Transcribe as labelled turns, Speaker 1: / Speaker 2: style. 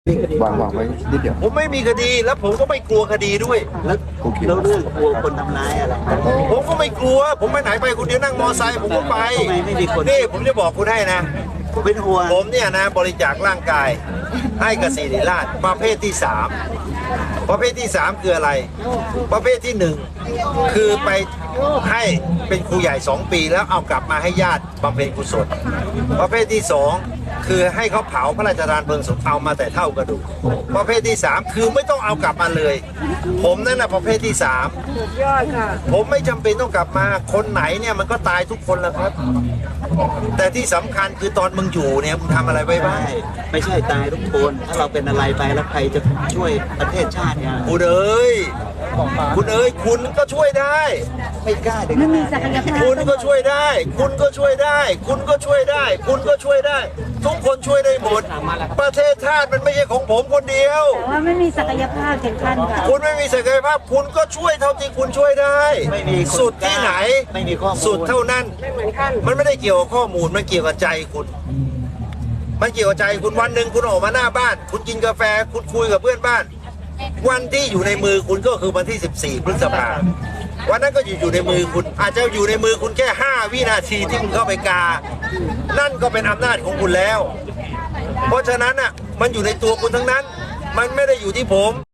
Speaker 1: วางไว้นิดเดียว
Speaker 2: ผมไม่มีคดีแล้วผมก็ไม่กลัวคดีด้วย
Speaker 3: แล้ว
Speaker 1: โอเค
Speaker 3: เรื่องกลัวคนทำร้ายอะไร
Speaker 2: ผมก็ไม่กลัว ผมไปไหนไปคนเดียวนั่งมอไซค์ผมก็ไป
Speaker 3: ทำไมไม่มีคน
Speaker 2: นี่ผมจะบอกคุณให้นะ
Speaker 3: เป็นห่วง
Speaker 2: ผมเนี่ยนะบริจาคร่างกายให้กับศิริราชประเภทที่สามประเภทที่สามคืออะไร ประเภทที่หนึ่งคือไปให้เป็นครูใหญ่2 ปีแล้วเอากลับมาให้ญาติบำเพ็ญกุศลประเภทที่สองคือให้เขาเผาพระราชทานเพลิงศพเอามาแต่เท่ากระดูกประเภทที่สามคือไม่ต้องเอากลับมาเลย ผมนั่นนะประเภทที่สามผมไม่จำเป็นต้องกลับมาคนไหนเนี่ยมันก็ตายทุกคนแหละครับ แต่ที่สำคัญคือตอนมึงอยู่เนี่ยมึงทำอะไรไว้บ้าง
Speaker 3: ไม่ใช่ตายทุกคน ถ้าเราเป็นอะไรไปแล้วใครจะช่วยประเทศชาติเนี่ย
Speaker 2: คุณเอ๋ยคุณก็ช่วยได้
Speaker 3: ไม่กล้าเด็ก
Speaker 4: ไม่มีศักยภาพ
Speaker 2: คุณก็ช่วยได้ คุณก็ช่วยได้ คุณก็ช่วยได้ คุณก็ช่วยได้ ทุกคนช่วยได้หมด ประเทศชาติมันไม่ใช่ของผมคนเดียว
Speaker 4: แต่ว่าไม่มีศักยภาพถึงขั้นค่ะ
Speaker 2: คุณไม่มีศักยภาพคุณก็ช่วยเท่าที่คุณช่วยได้
Speaker 3: ไม่มีคน
Speaker 2: สุดที่ไหน
Speaker 3: ไม่มีข้อมูล
Speaker 2: สุดเท่านั้น มันไม่ได้เกี่ยวกับข้อมูลมันเกี่ยวกับใจคุณ มันเกี่ยวกับใจคุณวันหนึ่งคุณออกมาหน้าบ้าน คุณกินกาแฟคุณคุยกับเพื่อนบ้าน วันที่อยู่ในมือคุณก็คือวันที่ 14 พฤษภาวันนั้นก็อยู่ในมือคุณอาจจะอยู่ในมือคุณแค่ 5 วินาทีที่คุณเข้าไปกา นั่นก็เป็นอำนาจของคุณแล้ว เพราะฉะนั้นอ่ะมันอยู่ในตัวคุณทั้งนั้น มันไม่ได้อยู่ที่ผม